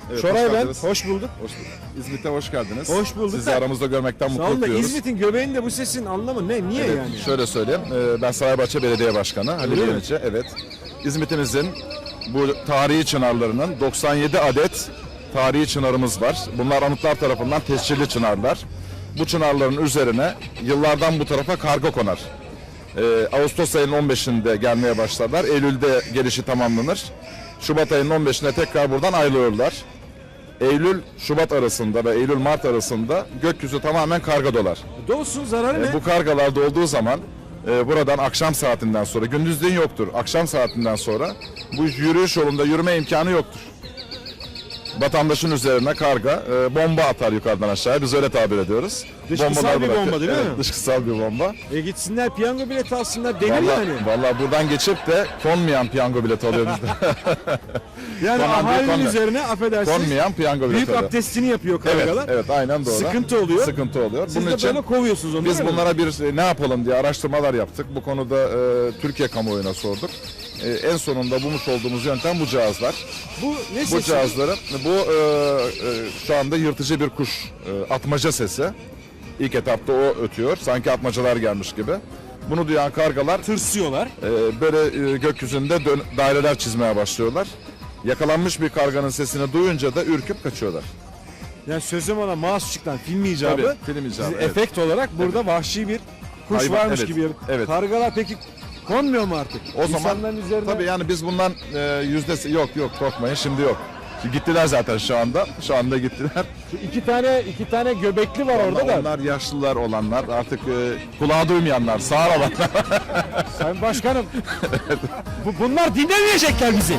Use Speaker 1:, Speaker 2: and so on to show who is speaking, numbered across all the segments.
Speaker 1: Evet,
Speaker 2: Şoray
Speaker 1: hoş
Speaker 2: ben,
Speaker 1: geldiniz.
Speaker 2: hoş bulduk.
Speaker 1: Hoş bulduk. İzmit'e hoş geldiniz.
Speaker 2: Hoş bulduk.
Speaker 1: Sizi aramızda görmekten
Speaker 2: Sağ
Speaker 1: mutluluk
Speaker 2: olun da
Speaker 1: duyuyoruz.
Speaker 2: İzmit'in göbeğinde bu sesin anlamı ne? Niye
Speaker 1: Evet,
Speaker 2: yani?
Speaker 1: şöyle söyleyeyim. Ben Saraybaşça Belediye Başkanı Halil
Speaker 2: Öyle mi?
Speaker 1: Yeniçi. Evet. İzmit'imizin bu tarihi çınarlarının 97 adet tarihi çınarımız var. Bunlar anıtlar tarafından tescilli çınarlar. Bu çınarların üzerine yıllardan bu tarafa karga konar. Ağustos ayının 15'inde gelmeye başlarlar. Eylül'de gelişi tamamlanır. Şubat ayının 15'inde tekrar buradan ayrılırlar. Eylül-Şubat arasında ve Eylül-Mart arasında gökyüzü tamamen karga dolar.
Speaker 2: Dolsun zararı ne?
Speaker 1: Bu kargalar dolduğu zaman buradan akşam saatinden sonra, gündüzleyin yoktur, akşam saatinden sonra bu yürüyüş yolunda yürüme imkanı yoktur. Vatandaşın üzerine karga bomba atar yukarıdan aşağıya, biz öyle tabir ediyoruz.
Speaker 2: Dışkısal bir bomba değil mi?
Speaker 1: Evet, dışkısal bir bomba.
Speaker 2: Gitsinler piyango bileti alsınlar denir
Speaker 1: Vallahi,
Speaker 2: yani.
Speaker 1: vallahi buradan geçip de konmayan piyango bileti alıyor bizde.
Speaker 2: Yani
Speaker 1: Konan değil,
Speaker 2: ahalinin
Speaker 1: konmayan.
Speaker 2: üzerine affedersiniz.
Speaker 1: Konmayan piyango bileti
Speaker 2: Büyük
Speaker 1: alıyor.
Speaker 2: abdestini yapıyor
Speaker 1: Evet,
Speaker 2: kargalar.
Speaker 1: evet, aynen doğru.
Speaker 2: Sıkıntı oluyor.
Speaker 1: Sıkıntı oluyor.
Speaker 2: Siz de böyle kovuyorsunuz onları.
Speaker 1: biz
Speaker 2: değil mi?
Speaker 1: bunlara bir ne yapalım diye araştırmalar yaptık. Bu konuda Türkiye kamuoyuna sorduk. En sonunda bulmuş olduğumuz yöntem bu cihazlar.
Speaker 2: Bu ne
Speaker 1: Bu
Speaker 2: sesi?
Speaker 1: cihazları, şu anda yırtıcı bir kuş, atmaca sesi. İlk etapta o ötüyor. Sanki atmacalar gelmiş gibi. Bunu duyan kargalar
Speaker 2: Tırsıyorlar.
Speaker 1: böyle gökyüzünde daireler çizmeye başlıyorlar. Yakalanmış bir karganın sesini duyunca da ürküp kaçıyorlar.
Speaker 2: Yani sözüm ona mouse çıkan film icabı.
Speaker 1: Tabii, film icabı,
Speaker 2: Siz
Speaker 1: evet.
Speaker 2: efekt olarak burada vahşi bir kuş
Speaker 1: Hayvan,
Speaker 2: varmış
Speaker 1: evet,
Speaker 2: gibi.
Speaker 1: evet.
Speaker 2: Kargalar peki konmuyor mu artık?
Speaker 1: O zaman
Speaker 2: İnsanların üzerine...
Speaker 1: tabii yani biz bundan yüzdesi yok korkmayın, şimdi yok. Gittiler zaten şu anda. Şu anda gittiler.
Speaker 2: Şu iki tane göbekli var orada da.
Speaker 1: Onlar yaşlılar olanlar, artık kulağı duymayanlar, sağır olanlar.
Speaker 2: Sayın Başkanım. Bunlar dinlemeyecekler bizi.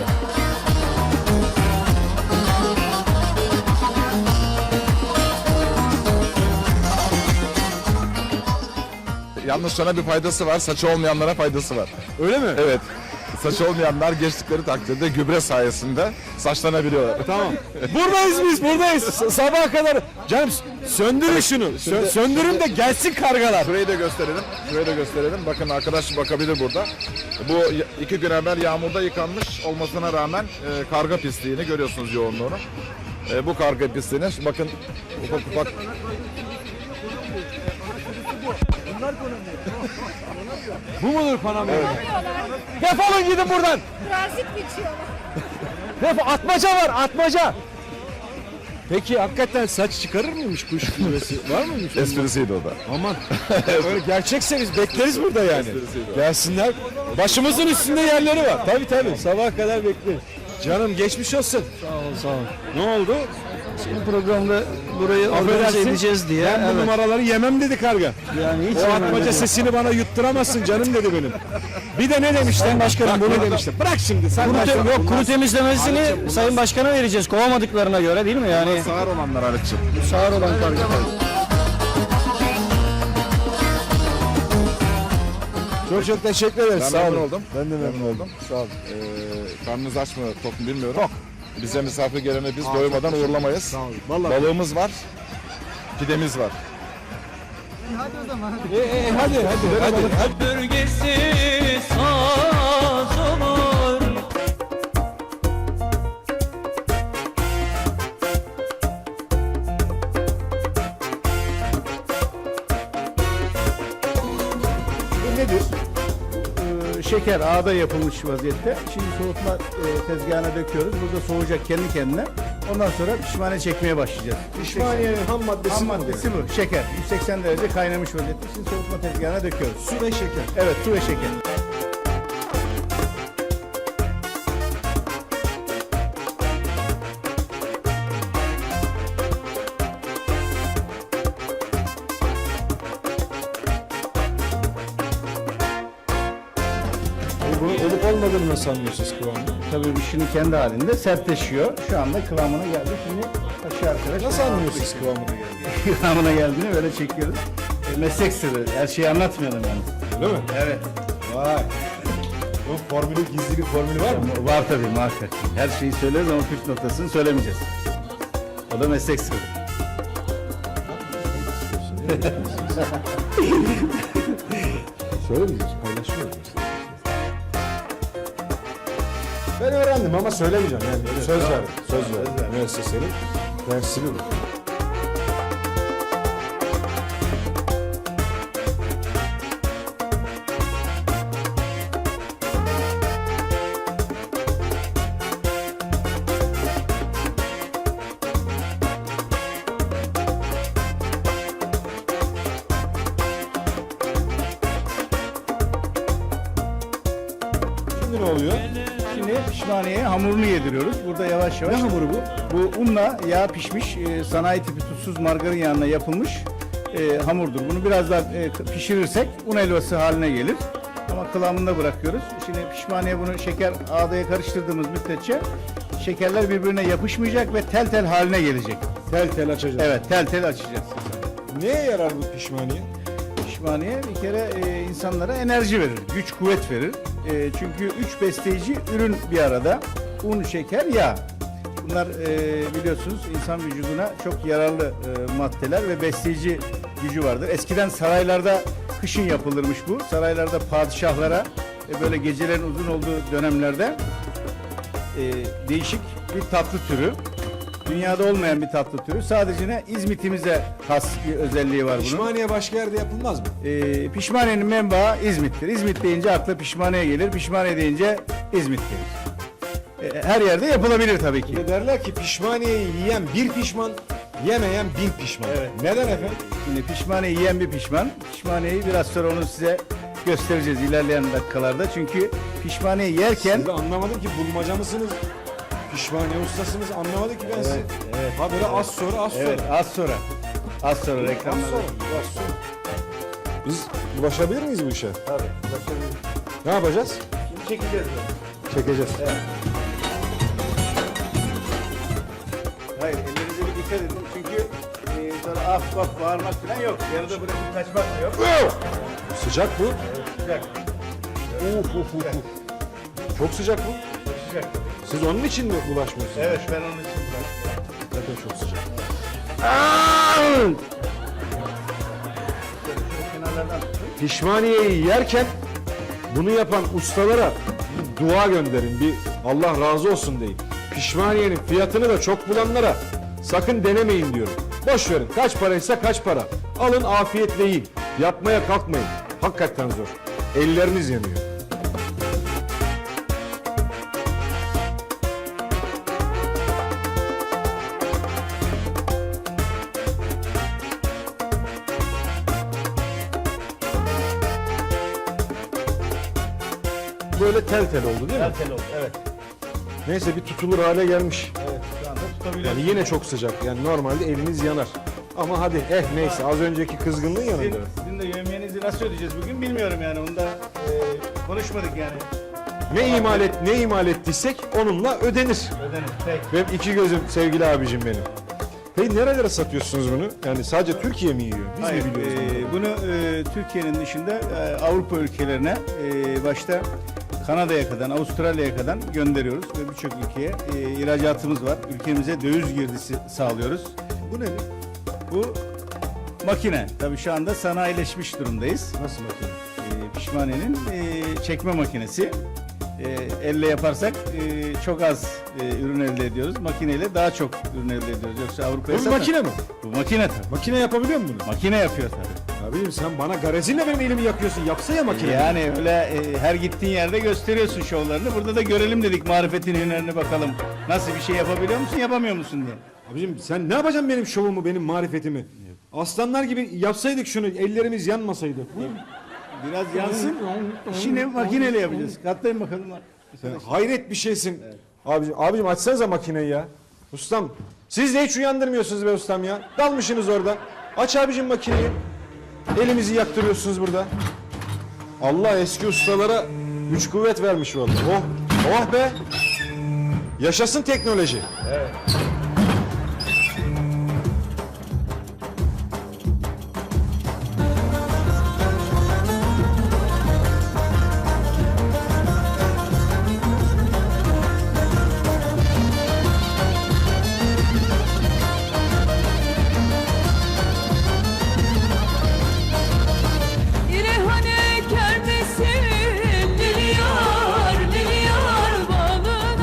Speaker 1: Yalnız sana bir faydası var, saçı olmayanlara faydası var.
Speaker 2: Öyle mi?
Speaker 1: Evet. Saçı olmayanlar geçtikleri takdirde gübre sayesinde saçlanabiliyorlar.
Speaker 2: Tamam. Buradayız biz, buradayız. Sabaha kadar. Canım söndürün şunu. Söndürün de gelsin kargalar.
Speaker 1: Şurayı da gösterelim. Şurayı da gösterelim. Bakın arkadaş bakabilir burada. Bu 2 gün evvel yağmurda yıkanmış olmasına rağmen karga pisliğini görüyorsunuz, yoğunluğunu. Bu karga pisliğini bakın ufak ufak.
Speaker 2: Bu mudur Panama? Defolun gidin buradan.
Speaker 3: Transit geçiyorlar.
Speaker 2: Atmaca var, atmaca. Peki hakikaten saç çıkarır mıymış kuş gübresi? Var mıymış?
Speaker 1: Esprisiydi o da.
Speaker 2: Aman. Öyle gerçekse biz bekleriz burada yani. Gelsinler. Başımızın üstünde yerleri var. Tabii. Sabaha kadar bekleriz. Canım geçmiş olsun.
Speaker 4: Sağ ol.
Speaker 2: Ne oldu?
Speaker 4: Bu programda burayı organize
Speaker 2: Affedersin,
Speaker 4: edeceğiz diye.
Speaker 2: Ben bu
Speaker 4: Evet.
Speaker 2: numaraları yemem dedi karga.
Speaker 4: Yani hiç
Speaker 2: O
Speaker 4: yemem
Speaker 2: atmaca
Speaker 4: dedi.
Speaker 2: sesini bana yutturamazsın canım dedi benim. Bir de ne demişler? Başkanım bunu demişler. Bırak şimdi sen başkanım.
Speaker 4: Yok, kuru temizlemesini Sayın Başkan'a vereceğiz. Kovamadıklarına göre değil mi? Yani
Speaker 1: Sağır olanlar Harit'ciğim.
Speaker 4: sağır olan karga.
Speaker 2: Çok teşekkür ederiz.
Speaker 1: Ben
Speaker 2: Sağ
Speaker 1: memnun
Speaker 2: olun.
Speaker 1: oldum.
Speaker 2: Ben de memnun oldum. Sağ olun.
Speaker 1: Karnınız aç mı, tok mu bilmiyorum. Tok. Bize misafir gelene biz doymadan uğurlamayız.
Speaker 2: Sağ olun. Vallahi.
Speaker 1: Balığımız var, pidemiz var.
Speaker 2: Hadi.
Speaker 5: Bölgesi saz olur.
Speaker 2: Bu nedir?
Speaker 6: Şeker ağda yapılmış vaziyette. Şimdi soğutma tezgahına döküyoruz. Burada soğuyacak kendi kendine. Ondan sonra pişmaniye çekmeye başlayacağız.
Speaker 2: Pişmaniyenin ham maddesi
Speaker 6: Ham
Speaker 2: bu.
Speaker 6: maddesi bu. Şeker. 180 derece kaynamış vaziyette. Şimdi soğutma tezgahına döküyoruz.
Speaker 2: Su ve şeker.
Speaker 6: Evet, su ve şeker.
Speaker 2: Bunun olup olmadığını nasıl anlıyorsunuz kıvamını?
Speaker 6: Tabii bu şimdi kendi halinde sertleşiyor. Şu anda kıvamına geldi. Şimdi aşağı arkadaş.
Speaker 2: Nasıl anlıyorsunuz kıvamını geldi?
Speaker 6: Kıvamına geldiğini böyle çekiyoruz. Meslek sırrı. Her şeyi anlatmayalım yani.
Speaker 2: Öyle mi?
Speaker 6: Evet.
Speaker 2: Vay. Bunun formülü, gizli bir formülü var mı?
Speaker 6: Var tabii muhakkak. Her şeyi söyleriz ama püf noktasını söylemeyeceğiz. O da meslek sırrı.
Speaker 2: Söylemeyeceğiz, paylaşıyoruz. Ben öğrendim ama söylemeyeceğim yani. Söz verdim. Söz verdim. Müessesenin dersini bu. Şimdi ne oluyor?
Speaker 6: Şimdi pişmaniyeye hamurunu yediriyoruz. Burada yavaş yavaş.
Speaker 2: Ne hamuru bu?
Speaker 6: Bu unla yağ pişmiş, sanayi tipi tuzsuz margarin yağına yapılmış hamurdur. Bunu biraz daha pişirirsek un helvası haline gelir. Ama kıvamında bırakıyoruz. Şimdi pişmaniye bunu şeker ağdaya karıştırdığımız müddetçe şekerler birbirine yapışmayacak ve tel tel haline gelecek.
Speaker 2: Tel tel açacağız.
Speaker 6: Evet, tel tel açacağız.
Speaker 2: Neye yarar bu pişmaniye?
Speaker 6: Pişmaniye bir kere insanlara enerji verir, güç kuvvet verir. Çünkü 3 besleyici ürün bir arada. Un, şeker, yağ. Bunlar biliyorsunuz insan vücuduna çok yararlı maddeler ve besleyici gücü vardır. Eskiden saraylarda kışın yapılırmış bu. Saraylarda padişahlara böyle gecelerin uzun olduğu dönemlerde değişik bir tatlı türü. Dünyada olmayan bir tatlı türü. Sadece ne İzmit'imize has bir özelliği var bunun.
Speaker 2: Pişmaniye başka yerde yapılmaz mı?
Speaker 6: Pişmaniyenin menbaı İzmit'tir. İzmit deyince akla pişmaniye gelir. Pişmaniye deyince İzmit gelir. Her yerde yapılabilir tabii ki.
Speaker 2: Bir de derler ki pişmaniyeyi yiyen bir pişman, yemeyen bin pişman.
Speaker 6: Evet.
Speaker 2: Neden efendim?
Speaker 6: Şimdi pişmaniye yiyen bir pişman. Pişmaniyeyi biraz sonra onu size göstereceğiz ilerleyen dakikalarda. Çünkü pişmaniye yerken
Speaker 2: Siz de anlamadım ki bulmaca mısınız? Pişmaniye ustasınız anlamadım ki ben sizi.
Speaker 6: evet.
Speaker 2: Ha böyle az sonra az sonra.
Speaker 6: evet az sonra
Speaker 2: Az
Speaker 6: reklamlarda.
Speaker 2: sonra. Az sonra. Biz bulaşabilir miyiz bu işe?
Speaker 6: Tabii. Başarılı.
Speaker 2: Ne yapacağız?
Speaker 6: Şimdi çekeceğiz bunu.
Speaker 2: Çekeceğiz.
Speaker 6: Hayır, ellerinize bir dikkat edin. Çünkü sonra af bak bağırmak falan yok. Yarıda bırakıp kaçmak da yok.
Speaker 2: Sıcak bu.
Speaker 6: Sıcak.
Speaker 2: Çok sıcak bu.
Speaker 6: Sıcak.
Speaker 2: Siz onun için mi bulaşmıyorsunuz?
Speaker 6: Evet, ben onun için bıraktım.
Speaker 2: Zaten çok sıcak.
Speaker 6: Şöyle kenarlardan tutun.
Speaker 2: Pişmaniyeyi yerken bunu yapan ustalara bir dua gönderin. Bir Allah razı olsun deyin. Pişmaniyenin fiyatını da çok bulanlara sakın denemeyin diyorum. Boş verin. Kaç paraysa kaç para. Alın afiyetle yiyin. Yapmaya kalkmayın. Hakikaten zor. Elleriniz yanıyor. Böyle tel tel oldu değil mi?
Speaker 6: Tel oldu, evet.
Speaker 2: Neyse bir tutulur hale gelmiş.
Speaker 6: Evet, şu anda tutabiliyoruz.
Speaker 2: Yani yine çok sıcak. Yani normalde eliniz yanar. Ama hadi neyse az önceki kızgınlığın yanında.
Speaker 6: Sizin de yevmiyenizi nasıl ödeyeceğiz bugün bilmiyorum yani. Onu da konuşmadık yani.
Speaker 2: Ne imal ettiysek onunla ödenir.
Speaker 6: Ödenir. Peki.
Speaker 2: Benim iki gözüm sevgili abicim benim. Hey nerelere satıyorsunuz bunu? Yani sadece Türkiye mi yiyor? Biz
Speaker 6: Hayır,
Speaker 2: mi biliyoruz?
Speaker 6: bunu Türkiye'nin dışında Avrupa ülkelerine başta Kanada'ya kadar, Avustralya'ya kadar gönderiyoruz ve birçok ülkeye ihracatımız var. Ülkemize döviz girdisi sağlıyoruz.
Speaker 2: Bu nedir?
Speaker 6: Bu makine. Tabii şu anda sanayileşmiş durumdayız.
Speaker 2: Nasıl makine?
Speaker 6: Pişmaniyenin çekme makinesi. Elle yaparsak çok az ürün elde ediyoruz. Makineyle daha çok ürün elde ediyoruz. Yoksa Avrupa'ya
Speaker 2: Bu bir makine mi?
Speaker 6: Bu makine tabii.
Speaker 2: Makine yapabiliyor mu bunu?
Speaker 6: Makine yapıyor tabii.
Speaker 2: Abicim sen bana garazinle benim elimi yakıyorsun. Yapsa ya makine.
Speaker 6: Yani öyle her gittiğin yerde gösteriyorsun şovlarını. Burada da görelim dedik marifetin hünerini bakalım. Nasıl bir şey yapabiliyor musun, yapamıyor musun diye.
Speaker 2: Abicim sen ne yapacaksın benim şovumu, benim marifetimi? Aslanlar gibi yapsaydık şunu, ellerimiz yanmasaydı.
Speaker 6: Biraz yansın. İşini makineyle yapacağız. Katlayın bakalım.
Speaker 2: Sen hayret bir şeysin. Abicim açsanıza makineyi ya. Ustam, siz de hiç uyandırmıyorsunuz be ustam ya. Dalmışsınız orada. Aç abicim makineyi. Elimizi yaktırıyorsunuz burada. Allah eski ustalara güç kuvvet vermiş vallahi. Oh be. Yaşasın teknoloji.
Speaker 5: İrehane kermesin, milyar milyar balık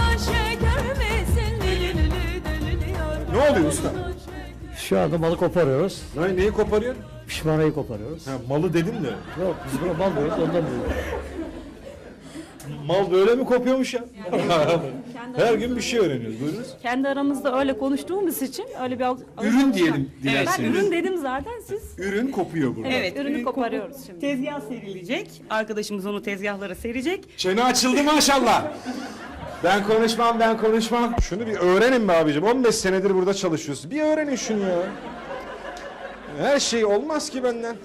Speaker 2: Ne oluyor usta?
Speaker 4: Şu anda malı koparıyoruz.
Speaker 2: Neyi koparıyorsun?
Speaker 4: Pişmanayı koparıyoruz.
Speaker 2: Ha, malı dedim de.
Speaker 4: Yok biz buna mal diyoruz ondan diyoruz.
Speaker 2: Mal böyle mi kopuyormuş ya? Her gün bir şey öğreniyoruz. Buyurunuz.
Speaker 3: Kendi aramızda öyle konuştuğumuz için öyle bir
Speaker 2: Ürün diyelim
Speaker 3: Ben
Speaker 2: dilerseniz.
Speaker 3: ürün dedim zaten, siz
Speaker 2: Ürün kopuyor burada.
Speaker 3: evet, ürünü koparıyoruz şimdi.
Speaker 5: Tezgah serilecek. Arkadaşımız onu tezgahlara serecek.
Speaker 2: Çene açıldı maşallah. Ben konuşmam. Şunu bir öğrenin be abicim. 15 senedir burada çalışıyorsun. Bir öğrenin şunu ya. Her şey olmaz ki benden.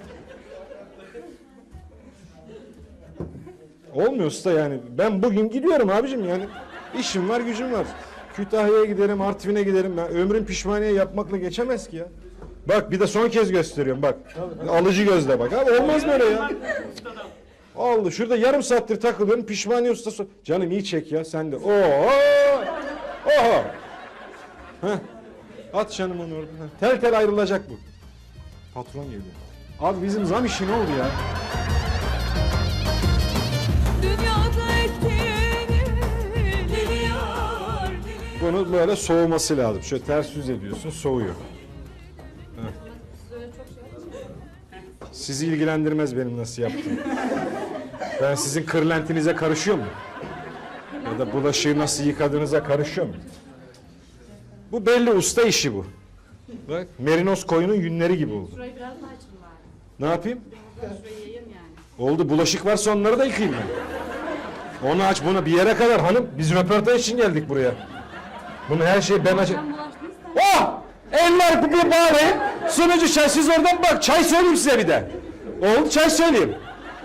Speaker 2: Olmuyor usta yani. Ben bugün gidiyorum abicim yani. İşim var, gücüm var. Kütahya'ya giderim, Artvin'e giderim. Ben ömrüm pişmaniye yapmakla geçemez ki ya. Bak bir de son kez gösteriyorum bak. Alıcı gözle bak. Abi olmaz böyle ya. Allah şurada yarım saattir takılıyorum pişmaniye ustası. Canım iyi çek ya sen de. Oo! Oho! Heh. At canım onu orada. Heh. Tel tel ayrılacak bu. Patron geliyor. Abi bizim zam işi ne oldu ya?
Speaker 3: Dünyada ektiğini biliyor.
Speaker 2: Bunu böyle soğuması lazım. Şöyle ters yüz ediyorsun soğuyor. Heh. Sizi ilgilendirmez benim nasıl yaptığım. Ben sizin kırlentinize karışıyor mu? Ya da bulaşığı nasıl yıkadığınıza karışıyor mu? Bu belli usta işi bu. Bak merinos koyunun yünleri gibi oldu.
Speaker 3: Şurayı biraz daha açın bari.
Speaker 2: Ne yapayım?
Speaker 3: Şurayı yayın yani.
Speaker 2: Oldu bulaşık varsa onları da yıkayayım ben. Onu aç bunu bir yere kadar hanım. Biz röportaj için geldik buraya. Bunu her şeyi ben açayım.
Speaker 3: Sen bulaştınız da.
Speaker 2: Oh! Eller bir bari. Sunucu çay siz oradan bak. Çay söyleyeyim size bir de. Oldu çay söyleyeyim.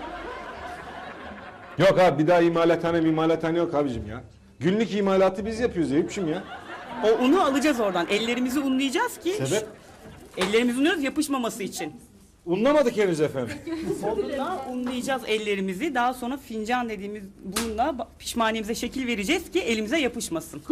Speaker 2: Yok abi bir daha imalathane yok abicim ya. Günlük imalatı biz yapıyoruz Eyüp'cüm ya.
Speaker 5: O unu alacağız oradan. Ellerimizi unlayacağız ki.
Speaker 2: Sebep?
Speaker 5: Ellerimizi unluyoruz yapışmaması için.
Speaker 2: Unlamadık henüz efendim.
Speaker 5: Onunla unlayacağız ellerimizi. Daha sonra fincan dediğimiz bununla pişmaniyemize şekil vereceğiz ki elimize yapışmasın.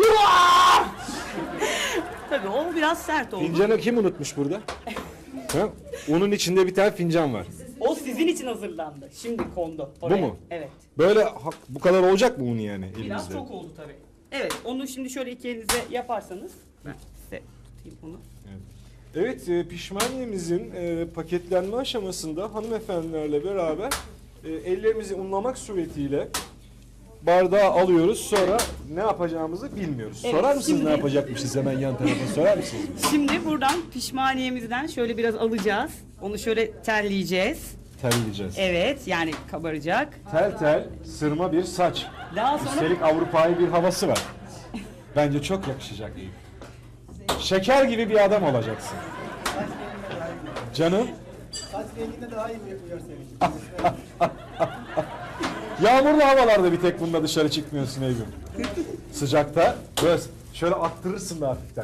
Speaker 5: Tabii o biraz sert oldu.
Speaker 2: Fincanı kim unutmuş burada? Ha? Unun içinde bir tane fincan var.
Speaker 5: O sizin için hazırlandı. Şimdi kondu oraya.
Speaker 2: Bu mu?
Speaker 5: Evet.
Speaker 2: Böyle bu kadar olacak mı un yani elimizde?
Speaker 5: Biraz çok oldu tabii. Evet, onu şimdi şöyle iki elinize yaparsanız ben size tutayım onu.
Speaker 2: Evet, pişmaniyemizin paketlenme aşamasında hanımefendilerle beraber ellerimizi unlamak suretiyle bardağı alıyoruz. Sonra ne yapacağımızı bilmiyoruz.
Speaker 5: Evet,
Speaker 2: Sorar mısınız
Speaker 5: şimdi-
Speaker 2: ne yapacakmışız hemen yan tarafa sorar mısınız?
Speaker 5: Şimdi buradan pişmaniyemizden şöyle biraz alacağız. Onu şöyle telleyeceğiz.
Speaker 2: Terleyeceğiz.
Speaker 5: Evet, yani kabaracak.
Speaker 2: Tel tel sırma bir saç.
Speaker 5: Daha sonra
Speaker 2: Üstelik Avrupa'yı bir havası var. Bence çok yakışacak. Şeker gibi bir adam olacaksın. Canım. Saç renginde daha iyi yapıyor seni. Yağmurlu havalarda bir tek bununla dışarı çıkmıyorsun Eygün. Sıcakta böyle şöyle attırırsın da hafiften.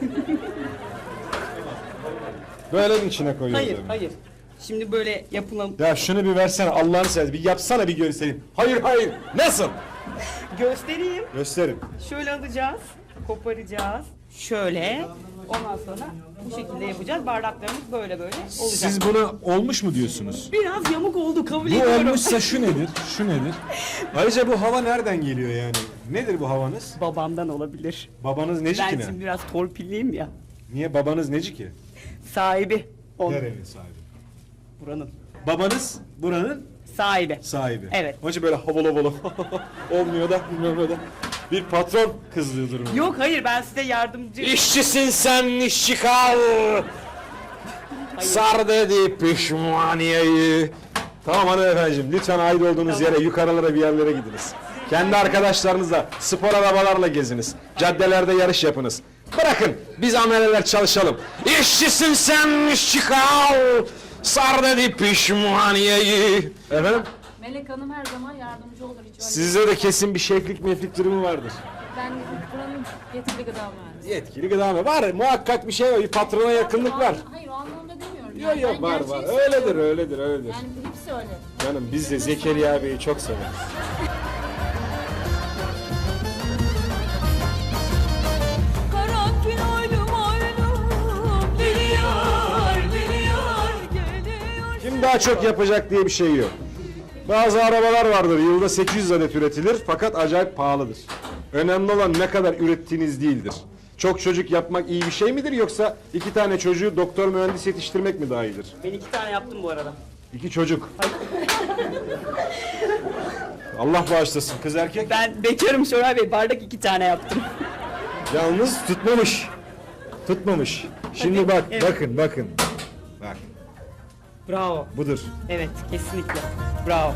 Speaker 2: Böyle mi içine koyuyorsun?
Speaker 5: hayır, hayır. Şimdi böyle yapılan
Speaker 2: Ya şunu bir versene Allah'ını seversen bir yapsana bir göstereyim. Hayır nasıl?
Speaker 5: göstereyim.
Speaker 2: Gösterin.
Speaker 5: Şöyle alacağız, koparacağız. Şöyle. Ondan sonra bu şekilde yapacağız. Bardaklarımız böyle olacak.
Speaker 2: Siz buna olmuş mu diyorsunuz?
Speaker 5: Biraz yamuk oldu kabul
Speaker 2: Bu
Speaker 5: ediyorum.
Speaker 2: olmuşsa şu nedir? Şu nedir? Ayrıca bu hava nereden geliyor yani? Nedir bu havanız?
Speaker 5: Babamdan olabilir.
Speaker 2: Babanız neci
Speaker 5: Ben
Speaker 2: ki ne?
Speaker 5: şimdi biraz torpilliyim ya.
Speaker 2: Niye babanız neci ki?
Speaker 5: Sahibi.
Speaker 2: Nerenin sahibi?
Speaker 5: Buranın.
Speaker 2: Babanız buranın
Speaker 5: Sahibi.
Speaker 2: sahibi.
Speaker 5: Evet.
Speaker 2: Onun için böyle havalı olmuyor da bilmem ne da. Bir patron kızdığı durum.
Speaker 5: Yok hayır ben size yardımcı.
Speaker 2: İşçisin sen işçi kal. Sar dedi pişmaniyeyi. Tamam hanımefendiciğim lütfen ait olduğunuz yere yukarılara bir yerlere gidiniz. Kendi arkadaşlarınızla spor arabalarla geziniz. Caddelerde yarış yapınız. Bırakın biz ameleler çalışalım. İşçisin sen işçi kal. Sar dedi pişmaniyeyi. Efendim?
Speaker 3: Melek Hanım her zaman yardımcı olur. Hiç öyle.
Speaker 2: Sizde de kesin bir şeflik meflik durumu vardır.
Speaker 3: Ben buranın yetkili gıda mühendisi.
Speaker 2: Yetkili gıda mı? Var muhakkak bir şey var. Bir patrona yakınlık var.
Speaker 3: Hayır o anlamda demiyorum.
Speaker 2: Yok
Speaker 3: Yani
Speaker 2: yok
Speaker 3: ben
Speaker 2: var
Speaker 3: gerçeği
Speaker 2: var.
Speaker 3: söylüyorum.
Speaker 2: Öyledir.
Speaker 3: Yani hepsi öyle.
Speaker 2: Canım biz de Zekeriya Bey'i çok severiz.
Speaker 3: Karanfil oylum biliyor geliyor.
Speaker 2: Kim daha çok yapacak diye bir şey yok. Bazı arabalar vardır yılda 800 adet üretilir fakat acayip pahalıdır. Önemli olan ne kadar ürettiğiniz değildir. Çok çocuk yapmak iyi bir şey midir yoksa 2 tane çocuğu doktor mühendis yetiştirmek mi daha iyidir?
Speaker 5: Ben 2 tane yaptım bu arada.
Speaker 2: 2 çocuk. Allah bağışlasın, kız erkek.
Speaker 5: Ben bekarım Şoray Bey, bardak 2 tane yaptım.
Speaker 2: Yalnız tutmamış. Tutmamış. Şimdi bak,
Speaker 5: evet.
Speaker 2: bakın. Bak,
Speaker 5: Bravo.
Speaker 2: budur.
Speaker 5: Evet, kesinlikle. Bravo.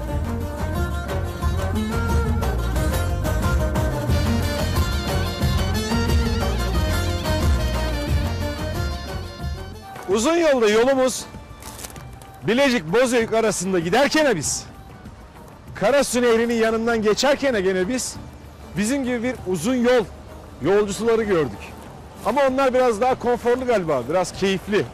Speaker 2: Uzun yolda yolumuz Bilecik Bozüyük arasında giderken biz Karasu Nehri'nin yanından geçerken gene biz bizim gibi bir uzun yol yolcusuları gördük. Ama onlar biraz daha konforlu galiba, biraz keyifli.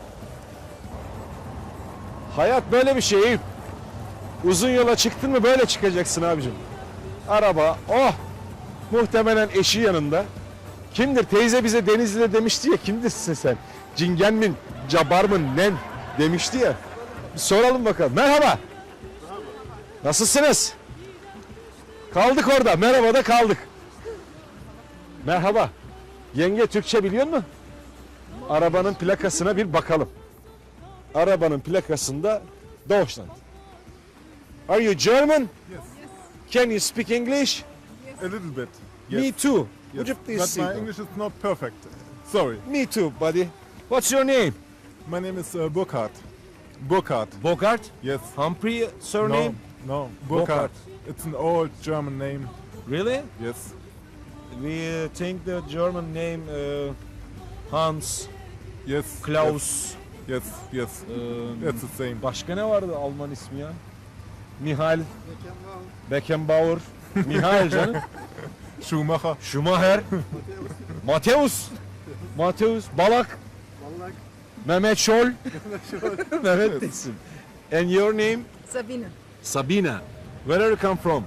Speaker 2: Hayat böyle bir şey Eyüp. Uzun yola çıktın mı böyle çıkacaksın abicim. Araba, oh! Muhtemelen eşi yanında. Kimdir? Teyze bize Denizli'de demişti ya, kimdirsin sen? Cingen mi, cabar mı, nen demişti ya. Bir soralım bakalım. Merhaba. Nasılsınız? Kaldık orada. Merhaba da kaldık. Merhaba. Yenge Türkçe biliyor musun? Arabanın plakasına bir bakalım. Arabanın plakasında Deutschland. Are you German?
Speaker 7: Yes,
Speaker 2: Can you speak English?
Speaker 7: a little bit.
Speaker 2: Me too. Would you please
Speaker 7: But
Speaker 2: sit
Speaker 7: my
Speaker 2: down?
Speaker 7: English is not perfect. Sorry.
Speaker 2: Me too, buddy. What's your name?
Speaker 7: My name is Burkhard. Burkhard.
Speaker 2: Bogart?
Speaker 7: Yes.
Speaker 2: Humphrey surname?
Speaker 7: No.
Speaker 2: Burkhard.
Speaker 7: Burkhard. It's an old German name.
Speaker 2: Really?
Speaker 7: Yes.
Speaker 2: We think the German name Hans,
Speaker 7: Yes.
Speaker 2: Klaus.
Speaker 7: Yes. Yes. It's the same.
Speaker 2: Başka ne vardı Alman ismi ya? Mihail. Beckenbauer. Mihail canım.
Speaker 7: Schumacher.
Speaker 2: Schumacher. Mateus. Mateus. Balak. Mehmet Scholl. Mehmet isim. And your name?
Speaker 3: Sabine.
Speaker 2: Sabina. Where are you come from?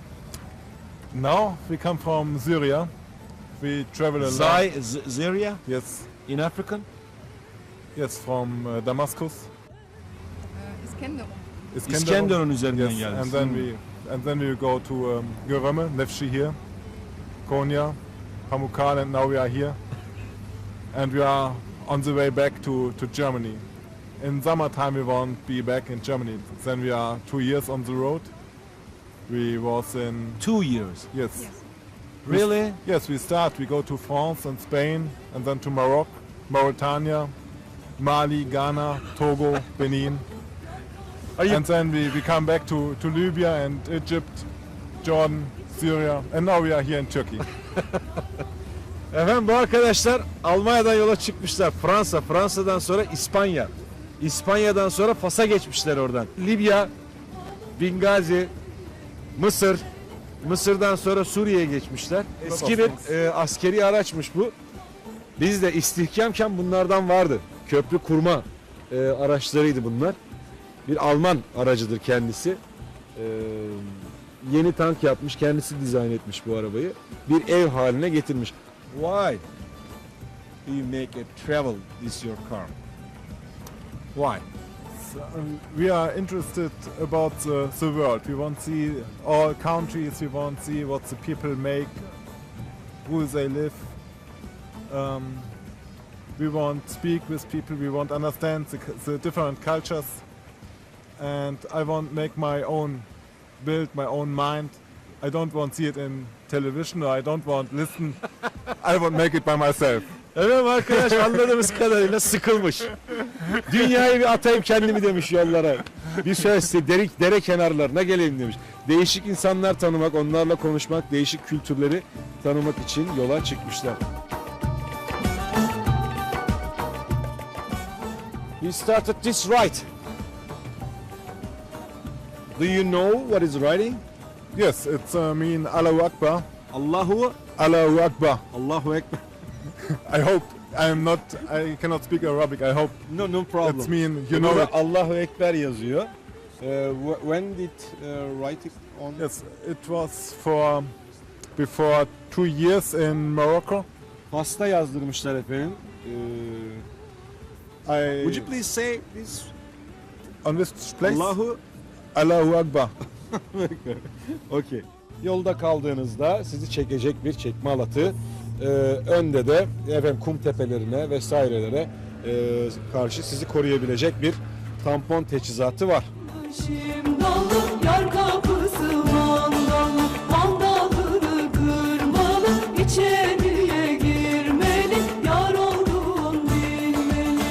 Speaker 7: Now we come from Syria. We travel a lot.
Speaker 2: Syria?
Speaker 7: Yes.
Speaker 2: In African?
Speaker 7: Yes, from Damascus.
Speaker 3: İskenderun.
Speaker 2: İskenderun üzerinden
Speaker 7: Yes.
Speaker 2: geldiniz.
Speaker 7: And then we go to Göreme, Nevşehir, Konya, Pamukkale, and now we are here. And we are on the way back to Germany. In summertime we won't be back in Germany. Then we are 2 years on the road. We was in
Speaker 2: 2 years.
Speaker 7: yes.
Speaker 2: Really?
Speaker 7: Yes, we go to France and Spain and then to Morocco, Mauritania, Mali, Ghana, Togo, Benin.
Speaker 2: you-
Speaker 7: And then we come back to Libya and Egypt, Jordan, Syria, and now we are here in Turkey.
Speaker 2: Efendim bu arkadaşlar Almanya'dan yola çıkmışlar. Fransa'dan sonra İspanya. İspanya'dan sonra Fas'a geçmişler oradan. Libya, Bingazi, Mısır. Mısır'dan sonra Suriye'ye geçmişler. Eski bir askeri araçmış bu. Biz de istihkamken bunlardan vardı. Köprü kurma araçlarıydı bunlar. Bir Alman aracıdır kendisi. Yeni tank yapmış, kendisi dizayn etmiş bu arabayı. Bir ev haline getirmiş. Why do you make a travel this your car? Why?
Speaker 7: So, we are interested about the world. We want to see all countries. We want to see what the people make, who they live. We want to speak with people. We want to understand the different cultures. And I want to make my own, build my own mind. I don't want to see it in television, or I don't want to listen. I want to make it by myself.
Speaker 2: Evet arkadaş anladığımız kadarıyla sıkılmış. Dünyayı bir atayım kendimi demiş yollara. Bir şöyle dere kenarlarına geleyim demiş. Değişik insanlar tanımak, onlarla konuşmak, değişik kültürleri tanımak için yola çıkmışlar. We started this right. Do you know what is writing?
Speaker 7: Yes, it's mean Allahu Akbar.
Speaker 2: Allahu
Speaker 7: Akbar.
Speaker 2: Allahu Ekber.
Speaker 7: I hope I cannot speak Arabic. I hope
Speaker 2: No problem.
Speaker 7: it's mean you know it.
Speaker 2: Allahu Ekber yazıyor. When did write it on?
Speaker 7: Yes, it was for before 2 years in Morocco.
Speaker 2: Pasta yazdırmışlar efendim. Would you please say this?
Speaker 7: On which place?
Speaker 2: Allahu Akbar. Okay. Yolda kaldığınızda sizi çekecek bir çekme halatı Önde de efendim kum tepelerine vesairelere karşı sizi koruyabilecek bir tampon teçhizatı var.
Speaker 8: Şimdalı yar kapısı mandalı, mandalını kırmalı, içeriye girmeli, yar olduğun bilmeli.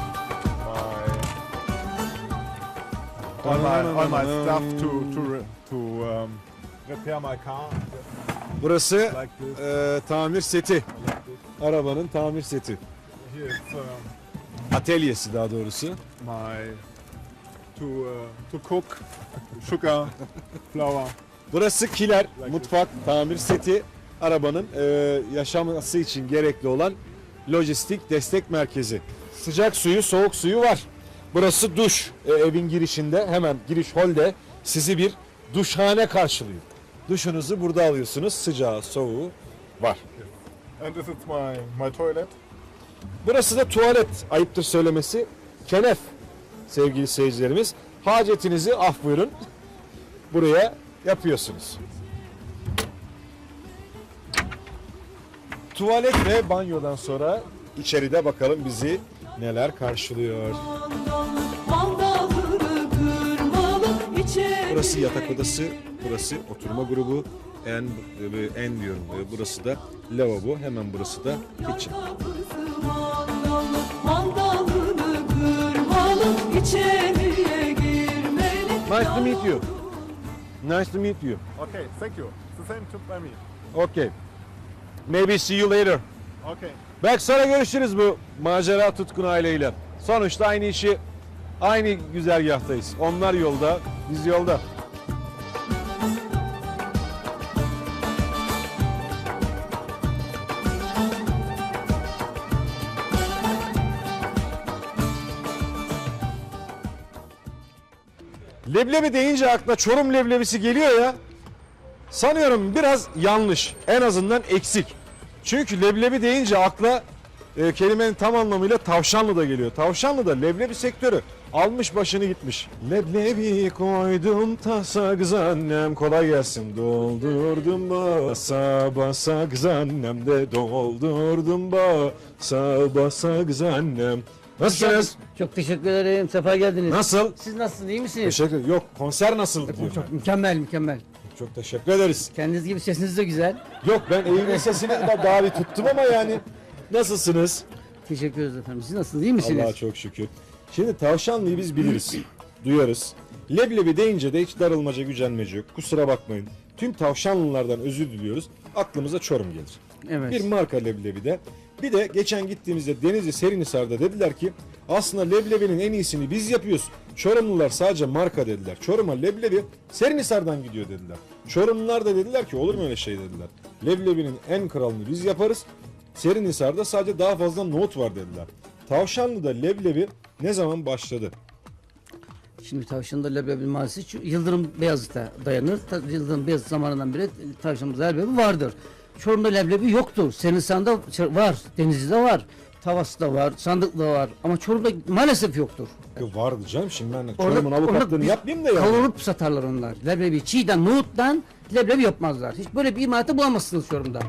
Speaker 7: All my stuff to repair my car.
Speaker 2: Burası
Speaker 7: Like this.
Speaker 2: tamir seti. Arabanın tamir seti.
Speaker 7: Here it's
Speaker 2: Atölyesi daha doğrusu.
Speaker 7: my to cook sugar, flour.
Speaker 2: Burası kiler, mutfak, tamir seti. Arabanın yaşaması için gerekli olan lojistik destek merkezi. Sıcak suyu, soğuk suyu var. Burası duş. Evin girişinde hemen giriş holde sizi bir duşhane karşılıyor. Duşunuzu burada alıyorsunuz. Sıcağı, soğuğu var.
Speaker 7: And this is my toilet.
Speaker 2: Burası da tuvalet, ayıptır söylemesi. Kenef sevgili seyircilerimiz. Hacetinizi af buyurun. Buraya yapıyorsunuz. Tuvalet ve banyodan sonra içeride bakalım bizi neler karşılıyor.
Speaker 8: Mandalını kırmalı, içeriye
Speaker 2: Burası yatak odası, burası oturma grubu. En diyorum. Burası da lavabo, hemen burası da kitchen.
Speaker 8: kapısı mandalı, mandalını kırmalı, içeriye girmeli.
Speaker 2: Nice to meet you. Nice to meet you.
Speaker 7: Okay, thank you. It's the same to by me.
Speaker 2: Okay. Maybe see you later.
Speaker 7: Okay.
Speaker 2: Belki sonra görüşürüz bu macera tutkun aileyle. Sonuçta aynı işi, aynı güzergahtayız. Onlar yolda, biz yolda. Leblebi deyince aklına Çorum leblebisi geliyor ya. Sanıyorum biraz yanlış. En azından eksik. Çünkü leblebi deyince akla kelimenin tam anlamıyla Tavşanlı da geliyor. Tavşanlı da leblebi sektörü almış başını gitmiş. Leblebi koydum tasa kız annem, kolay gelsin. Doldurdum basa basa kız annem de, doldurdum basa basa kız annem. Nasılsınız?
Speaker 4: Çok teşekkür ederim. Sefa geldiniz.
Speaker 2: Nasıl?
Speaker 4: Siz nasılsınız? İyi misiniz?
Speaker 2: Teşekkür ederim. Yok, konser nasıl diyor.
Speaker 4: Çok mükemmel mükemmel.
Speaker 2: Çok teşekkür ederiz.
Speaker 4: Kendiniz gibi sesiniz de güzel.
Speaker 2: Yok, ben eğimin sesini daha bir tuttum ama yani. Nasılsınız?
Speaker 4: Teşekkür ederiz efendim. Siz nasılsınız? İyi misiniz?
Speaker 2: Allah'a çok şükür. Şimdi Tavşanlı'yı biz biliriz, duyarız. Leblebi deyince de hiç darılmaca, gücenmece yok. Kusura bakmayın. Tüm Tavşanlılardan özür diliyoruz. Aklımıza Çorum gelir.
Speaker 4: Evet.
Speaker 2: Bir marka Leblebi'de. Bir de geçen gittiğimizde Denizli Serinhisar'da dediler ki aslında leblebinin en iyisini biz yapıyoruz. Çorumlular sadece marka dediler. Çorum'a leblebi Serinhisar'dan gidiyor dediler. Çorumlular da dediler ki olur mu öyle şey dediler. Leblebinin en kralını biz yaparız. Serinhisar'da sadece daha fazla nohut var dediler. Tavşanlı'da leblebi ne zaman başladı?
Speaker 4: Şimdi Tavşan'da leblebi mahallesi Yıldırım Beyazıt'a dayanır. Yıldırım Beyazıt zamanından beri Tavşan'da leblebi vardır. Çorum'da leblebi yoktur. Serinhisar'da var, Denizli'de var, Tavas'ta var, Sandık'ta var ama Çorum'da maalesef yoktur.
Speaker 2: Vardı canım, şimdi ben
Speaker 4: Orada-
Speaker 2: Çorum'un avukatlığını
Speaker 4: orada
Speaker 2: yapmayayım da yani.
Speaker 4: Kavurup satarlar onlar. Leblebi çiğden, nohuttan leblebi yapmazlar. Hiç böyle bir imalatı bulamazsınız Çorum'da.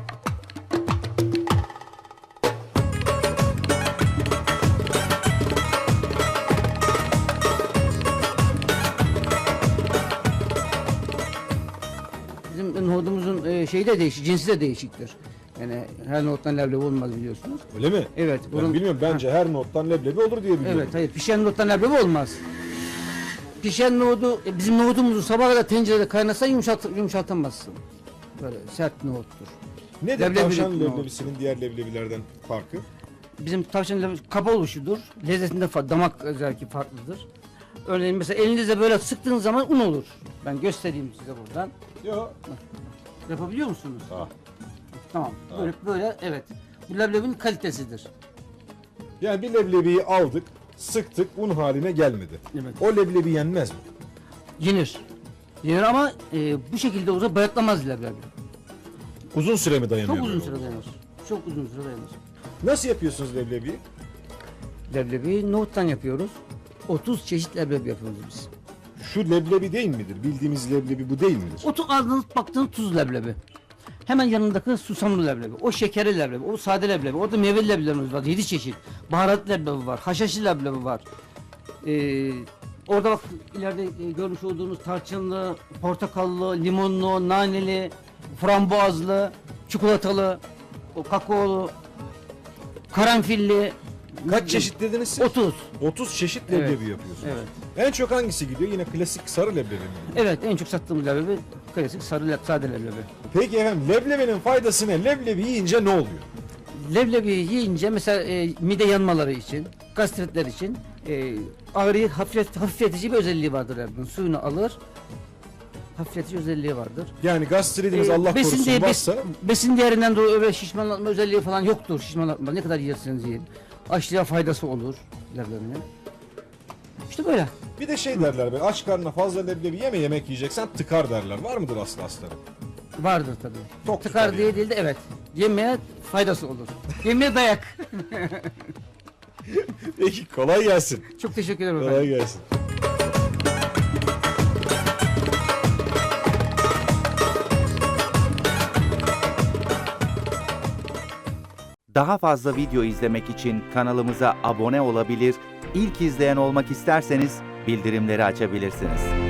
Speaker 4: Bizim nohudumuzun şeyi de değişik, cinsi de değişiktir. Yani her nohuttan leblebi olmaz biliyorsunuz.
Speaker 2: Öyle mi?
Speaker 4: Evet.
Speaker 2: Ben bilmiyorum, bence her nohuttan leblebi olur diye biliyorum.
Speaker 4: Evet, hayır. Pişen nohuttan leblebi olmaz. Pişen nohudu, bizim nohudumuzu sabaha kadar tencerede kaynatsan yumuşatamazsın. Böyle sert nohuttur.
Speaker 2: Nedir
Speaker 4: Leblebi-
Speaker 2: tavşan leblebisinin diğer leblebilerden farkı?
Speaker 4: Bizim tavşan leblebi kaba oluşudur. Lezzetinde damak özelliği farklıdır. Örneğin mesela elinizle böyle sıktığınız zaman un olur. Ben göstereyim size buradan.
Speaker 2: Yok.
Speaker 4: Yapabiliyor musunuz?
Speaker 2: Ah.
Speaker 4: Tamam. Böyle evet. Bu leblebinin kalitesidir.
Speaker 2: Yani bir leblebiyi aldık, sıktık, un haline gelmedi.
Speaker 4: Evet.
Speaker 2: O leblebi yenmez mi?
Speaker 4: Yenir. Yenir ama bu şekilde olursa bayatlamaz leblebi.
Speaker 2: Uzun süre mi dayanıyor?
Speaker 4: Çok uzun
Speaker 2: böyle
Speaker 4: süre
Speaker 2: oldu?
Speaker 4: dayanır. Çok uzun süre dayanır.
Speaker 2: Nasıl yapıyorsunuz leblebiyi?
Speaker 4: Leblebi nohuttan yapıyoruz. 30 çeşit leblebi yapıyoruz biz.
Speaker 2: Şu leblebi değil midir? Bildiğimiz leblebi bu değil midir?
Speaker 4: Otu aldığınız baktığınız tuz leblebi. Hemen yanındaki susamlı leblebi, o şekerli leblebi, o sade leblebi, orada meyveli leblebilerimiz var, 7 çeşit. Baharat leblebi var, haşhaşlı leblebi var. Orada bak ileride görmüş olduğunuz tarçınlı, portakallı, limonlu, naneli, frambuazlı, çikolatalı, o kakaolu, karanfilli.
Speaker 2: Kaç çeşit dediniz siz?
Speaker 4: 30.
Speaker 2: 30 çeşit leblebi yapıyorsunuz.
Speaker 4: Evet.
Speaker 2: En çok hangisi gidiyor? Yine klasik sarı leblebi mi?
Speaker 4: Evet, en çok sattığımız leblebi klasik sarı sade leblebi.
Speaker 2: Peki efendim leblebinin faydası ne? Leblebi yiyince ne oluyor?
Speaker 4: Leblebi yiyince mesela mide yanmaları için, gastritler için ağrıyı hafifletici bir özelliği vardır leblebi. Suyunu alır, hafifletici özelliği vardır.
Speaker 2: Yani gastritiniz Allah
Speaker 4: besin
Speaker 2: korusun
Speaker 4: değeri-
Speaker 2: varsa
Speaker 4: besin değerinden dolayı öyle şişmanlatma özelliği falan yoktur. Şişmanlatma ne kadar yerseniz yiyin. Açlığa faydası olur leblebinin. İşte böyle.
Speaker 2: bir de şey derler be aç karnına fazla leblebi yeme yemek yiyeceksen tıkar derler. Var mıdır aslı astarı?
Speaker 4: Vardır tabii.
Speaker 2: Tok
Speaker 4: Tıkar
Speaker 2: tutar
Speaker 4: diye
Speaker 2: yani.
Speaker 4: değil de evet. Yemeye faydası olur. Yemeye dayak.
Speaker 2: Peki kolay gelsin.
Speaker 4: Çok teşekkür ederim efendim.
Speaker 2: Kolay gelsin.
Speaker 9: Daha fazla video izlemek için kanalımıza abone olabilir, ilk izleyen olmak isterseniz bildirimleri açabilirsiniz.